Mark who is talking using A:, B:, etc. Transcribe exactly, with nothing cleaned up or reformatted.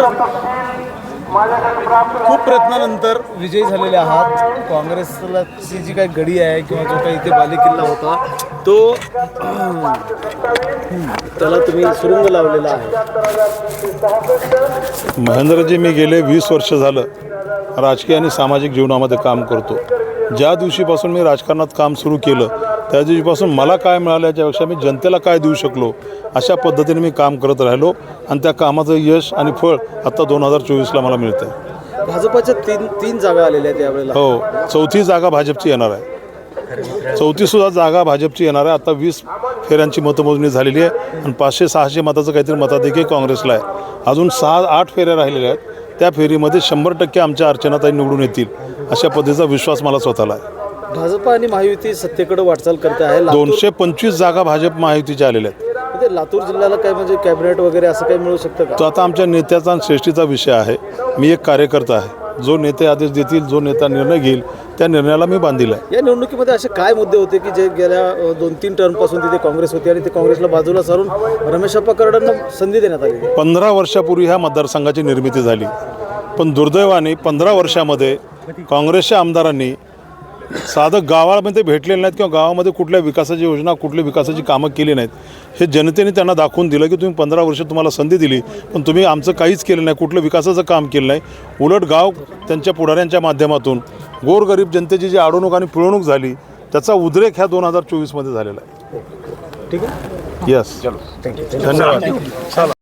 A: खूप प्रयत्नानंतर विजयी झालेले आहात. काँग्रेसला ची जी काही गडी आहे किंवा जो काही इथे बालेकिल्ला होता तो त्याला तुम्ही सुरुंग लावलेला आहे.
B: महेंद्रजी, मी गेले वीस वर्ष झालं राजकीय आणि सामाजिक जीवनामध्ये काम करतो. ज्या दिवशीपासून मी राजकारणात काम सुरू केलं त्या दिवशीपासून मला काय मिळालं याच्यापेक्षा मी जनतेला काय देऊ शकलो अशा पद्धतीने मी काम करत राहिलो आणि त्या कामाचं यश आणि फळ आता दोन हजार चोवीसला मला मिळतं आहे.
A: भाजपाच्या तीन तीन जागा आलेल्या आहेत यावेळेला.
B: हो, चौथी जागा भाजपची येणार आहे. चौथीसुद्धा जागा भाजपची येणार आहे. आता वीस फेऱ्यांची मतमोजणी झालेली आहे आणि पाचशे सहाशे मताचं काहीतरी मताधिक्य काँग्रेसला आहे. अजून सहा आठ फेऱ्या राहिलेल्या आहेत. त्या फेरीमध्ये शंभर टक्के आमच्या अर्चनाताई निवडून येतील अशा पद्धतीचा विश्वास मला स्वतःला आहे.
A: भाजप आणि महायुती सत्तेकडे वाटचाल करते आहे.
B: दोनशे पंचवीस जागा भाजप महायुतीच्या आलेल्या आहेत.
A: म्हणजे लातूर जिल्ह्याला काय म्हणजे कॅबिनेट वगैरे असं काही मिळू शकतं का?
B: तो आता आमच्या नेत्याचा आणि श्रेष्ठीचा विषय आहे. मी एक कार्यकर्ता आहे. जो नेते आदेश देतील, जो नेता निर्णय घेईल त्या निर्णयाला मी बांधील आहे.
A: या निवडणुकीमध्ये असे काय मुद्दे होते की जे गेल्या दोन तीन टर्मपासून तिथे काँग्रेस होती आणि ते काँग्रेसला बाजूला सारून रमेशप्पा करडांना संधी देण्यात आली?
B: पंधरा वर्षापूर्वी ह्या मतदारसंघाची निर्मिती झाली, पण दुर्दैवाने पंधरा वर्षामध्ये काँग्रेसच्या आमदारांनी साधं गावामध्ये भेटलेले नाहीत किंवा गावामध्ये कुठल्या विकासाची योजना, कुठल्या विकासाची कामं केली नाहीत. हे जनतेने त्यांना दाखवून दिलं की तुम्ही पंधरा वर्ष तुम्हाला संधी दिली पण तुम्ही आमचं काहीच केलं नाही, कुठलं विकासाचं काम केलं नाही. उलट गाव त्यांच्या पुढाऱ्यांच्या माध्यमातून गोरगरीब जनतेची जी अडवणूक आणि पिळवणूक झाली त्याचा उद्रेक ह्या दोन हजार चोवीसमध्ये झालेला आहे.
A: ठीक आहे.
B: यस, धन्यवाद.